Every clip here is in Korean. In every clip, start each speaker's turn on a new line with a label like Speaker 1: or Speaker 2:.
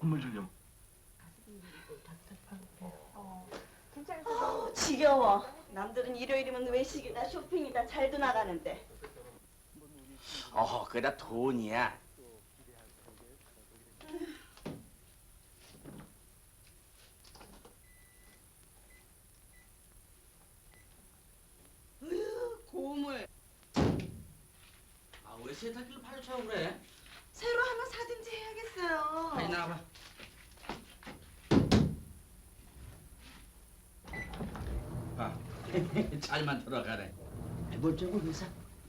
Speaker 1: 선물 주려고.
Speaker 2: 지겨워. 남들은 일요일이면 외식이다 쇼핑이다 잘도 나가는데.
Speaker 3: 그게 다 돈이야.
Speaker 2: 고물.
Speaker 3: 왜 세탁기를 팔려고 그래?
Speaker 2: 새로 하나 사든지 해야겠어요.
Speaker 3: 빨리 나와봐. 잘만 돌아가네. 뭘 저거 회사?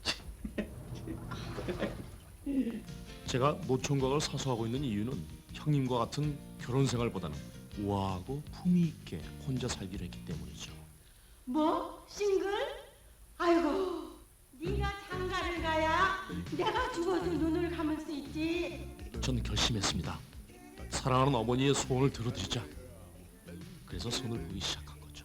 Speaker 4: 제가 노총각을 사수하고 있는 이유는 형님과 같은 결혼 생활보다는 우아하고 품위 있게 혼자 살기로 했기 때문이죠.
Speaker 2: 뭐? 싱글? 아이고, 네가 장가를 가야 내가 죽어도 눈을 감을 수 있지.
Speaker 4: 전 결심했습니다. 사랑하는 어머니의 소원을 들어드리자. 그래서 손을 보기 시작한 거죠.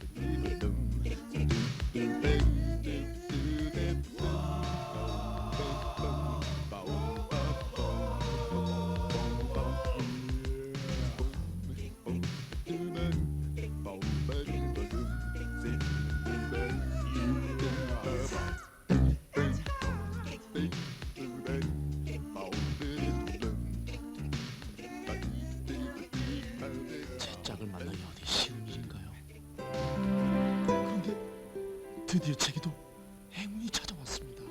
Speaker 4: 제 짝을 만나기 어디 쉬운 일인가요? 그런데 드디어 제게도 행운이 찾아왔습니다.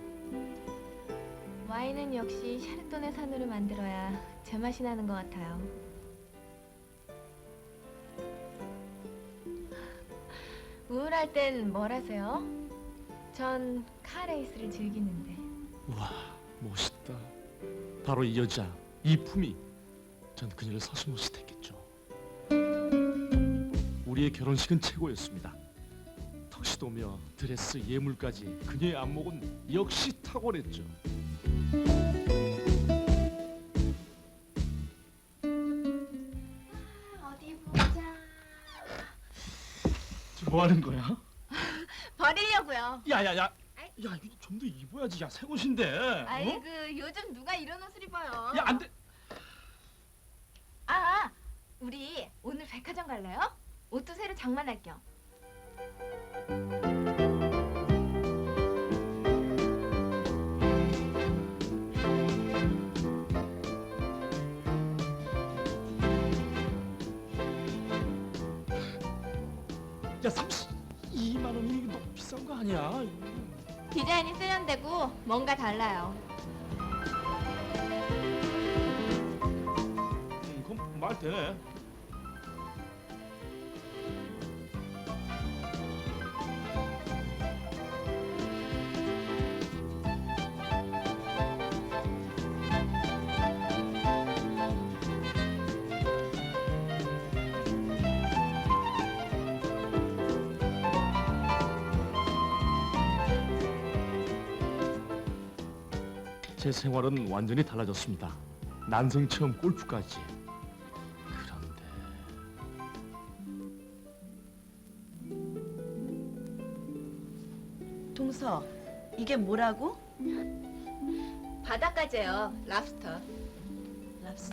Speaker 5: 와인은 역시 샤르도네 산으로 만들어야 제맛이 나는 것 같아요. 우울할 땐 뭘 하세요? 전 카레이스를 즐기는데.
Speaker 4: 우와, 멋있다. 바로 이 여자, 이 품이. 전 그녀를 서슴없이 택했죠. 우리의 결혼식은 최고였습니다. 턱시도며 드레스, 예물까지 그녀의 안목은 역시 탁월했죠.
Speaker 5: 어디 보자.
Speaker 4: 지금 뭐 하는 거야?
Speaker 5: 버리려고요.
Speaker 4: 야야야, 야 이거 좀 더 입어야지. 야, 새 옷인데.
Speaker 5: 아이고, 요즘 누가 이런 옷을 입어요?
Speaker 4: 야, 안 돼.
Speaker 5: 우리 오늘 백화점 갈래요? 옷도 새로 장만할 겸.
Speaker 4: 야, 32만 원이 너무 비싼 거 아니야?
Speaker 5: 디자인이 세련되고 뭔가 달라요.
Speaker 4: 그럼 말 되네. 제 생활은 완전히 달라졌습니다. 난생 처음 골프까지. 그런데
Speaker 2: 동서, 이게 뭐라고?
Speaker 5: 바닷가재요. 랍스터.
Speaker 2: 랍스터?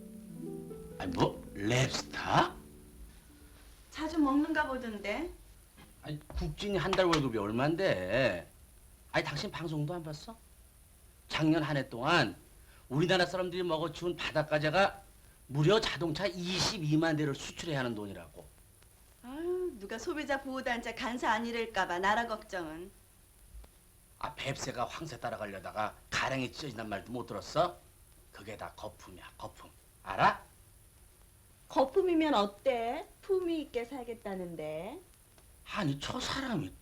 Speaker 3: 랩스타?
Speaker 2: 자주 먹는가 보던데.
Speaker 3: 국진이 한 달 월급이 얼만데? 당신 방송도 안 봤어? 작년 한 해 동안 우리나라 사람들이 먹어치운 바닷가재가 무려 자동차 22만 대를 수출해야 하는 돈이라고.
Speaker 2: 아유, 누가 소비자 보호단체 간사 아니랄까봐 나라 걱정은.
Speaker 3: 뱁새가 황새 따라가려다가 가랑이 찢어진단 말도 못 들었어? 그게 다 거품이야, 거품. 알아?
Speaker 2: 거품이면 어때? 품위 있게 살겠다는데.
Speaker 3: 아니, 저 사람이.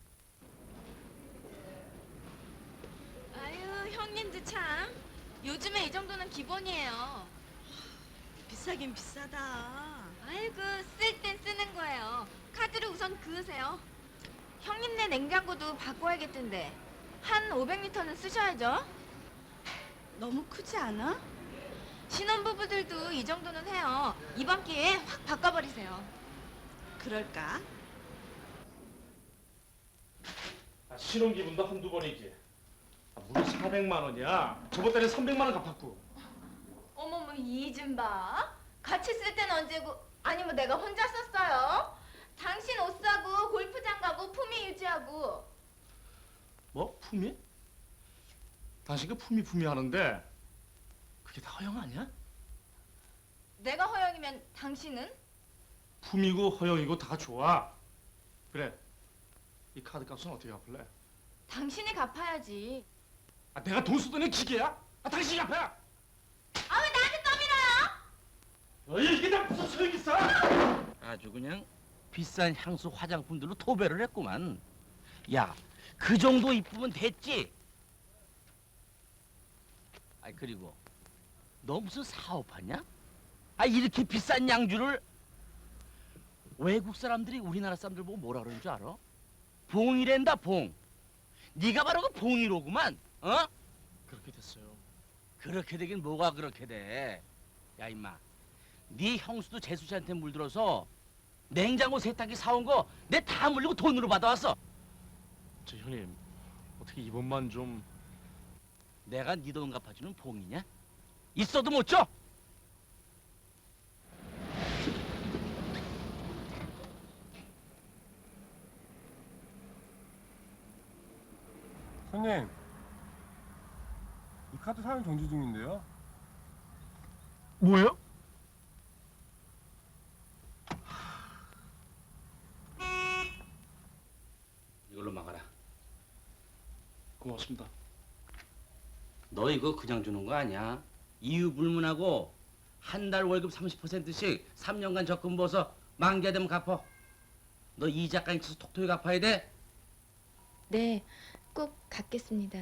Speaker 5: 아유, 형님도 참. 요즘에 이 정도는 기본이에요.
Speaker 2: 비싸긴 비싸다.
Speaker 5: 아이고, 쓸 땐 쓰는 거예요. 카드를 우선 그으세요. 형님네 냉장고도 바꿔야겠던데. 한 500리터는 쓰셔야죠.
Speaker 2: 너무 크지 않아?
Speaker 5: 신혼부부들도 이 정도는 해요. 이번 기회에 확 바꿔버리세요.
Speaker 2: 그럴까?
Speaker 4: 신혼 기분도 한두 번이지. 무려 400만 원이야. 저번 달에 300만 원 갚았고.
Speaker 5: 어머머, 이 좀 봐. 같이 쓸 때는 언제고? 아니 뭐 내가 혼자 썼어요? 당신 옷 사고 골프장 가고 품위 유지하고.
Speaker 4: 뭐? 품위? 당신 그 품위 하는데 그게 다 허영 아니야?
Speaker 5: 내가 허영이면 당신은?
Speaker 4: 품이고 허영이고 다 좋아. 그래. 이 카드 값은 어떻게 갚을래?
Speaker 5: 당신이 갚아야지.
Speaker 4: 아, 내가 돈 쓰더니 기계야? 아, 당신이 갚아!
Speaker 5: 아 왜 나한테 떠밀어요?
Speaker 4: 이게 다 무슨 소용이 있어?
Speaker 3: 아주 그냥 비싼 향수 화장품들로 도배를 했구만. 야, 그 정도 이쁘면 됐지. 아, 그리고 너 무슨 사업하냐? 아, 이렇게 비싼 양주를 외국 사람들이 우리나라 사람들 보고 뭐라 그러는 줄 알아? 봉이랜다, 봉. 네가 바로 그 봉이로구만. 어?
Speaker 4: 그렇게 됐어요.
Speaker 3: 그렇게 되긴 뭐가 그렇게 돼. 야, 임마. 네 형수도 재수 씨한테 물들어서 냉장고 세탁기 사온 거 내 다 물리고 돈으로 받아왔어.
Speaker 4: 저 형님, 어떻게 이번만 좀...
Speaker 3: 내가 네 돈 갚아주는 봉이냐? 있어도 못 줘.
Speaker 1: 손님, 이 카드 사용 정지 중인데요.
Speaker 4: 뭐예요?
Speaker 3: 이걸로 막아라.
Speaker 4: 고맙습니다.
Speaker 3: 너 이거 그냥 주는 거 아니야. 이유 불문하고 한 달 월급 30%씩 3년간 적금 부어서 만기가 되면 갚어. 너 이자까지 쳐서 톡톡히 갚아야 돼.
Speaker 5: 네, 꼭 갚겠습니다.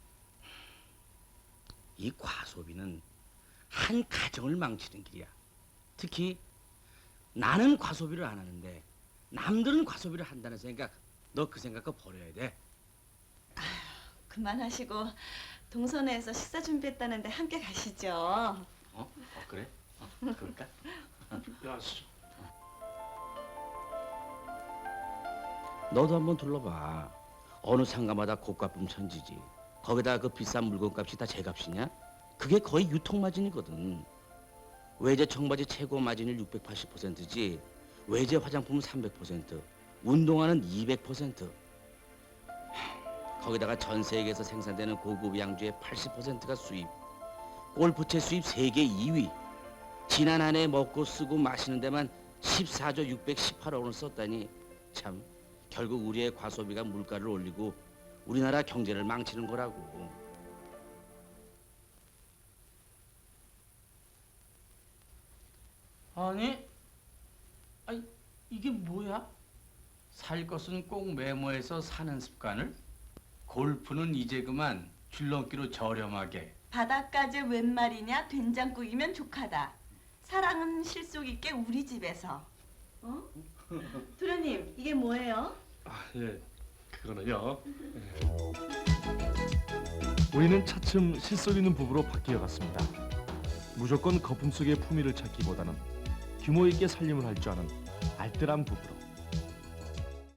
Speaker 3: 이 과소비는 한 가정을 망치는 길이야. 특히 나는 과소비를 안 하는데 남들은 과소비를 한다는 생각, 너 그 생각도 버려야 돼.
Speaker 2: 그만하시고 동선회에서 식사 준비했다는데 함께 가시죠.
Speaker 3: 그래? 그럴까?
Speaker 4: 야, 씨.
Speaker 3: 너도 한번 둘러봐. 어느 상가마다 고가품 천지지. 거기다 그 비싼 물건값이 다 제값이냐? 그게 거의 유통마진이거든. 외제 청바지 최고 마진율 680%지. 외제 화장품은 300%, 운동화는 200%. 거기다가 전 세계에서 생산되는 고급 양주의 80%가 수입. 골프채 수입 세계 2위. 지난 한 해 먹고 쓰고 마시는 데만 14조 618억 원을 썼다니 참 결국 우리의 과소비가 물가를 올리고 우리나라 경제를 망치는 거라고. 아니, 이게 뭐야? 살 것은 꼭 메모해서 사는 습관을? 골프는 이제 그만 줄넘기로 저렴하게.
Speaker 2: 바닷가재 웬 말이냐? 된장국이면 족하다. 사랑은 실속 있게 우리 집에서. 어? 도련님, 이게 뭐예요?
Speaker 4: 아, 예. 그거는요. 우리는 차츰 실속 있는 부부로 바뀌어 갔습니다. 무조건 거품 속의 품위를 찾기보다는 규모 있게 살림을 할 줄 아는 알뜰한 부부로.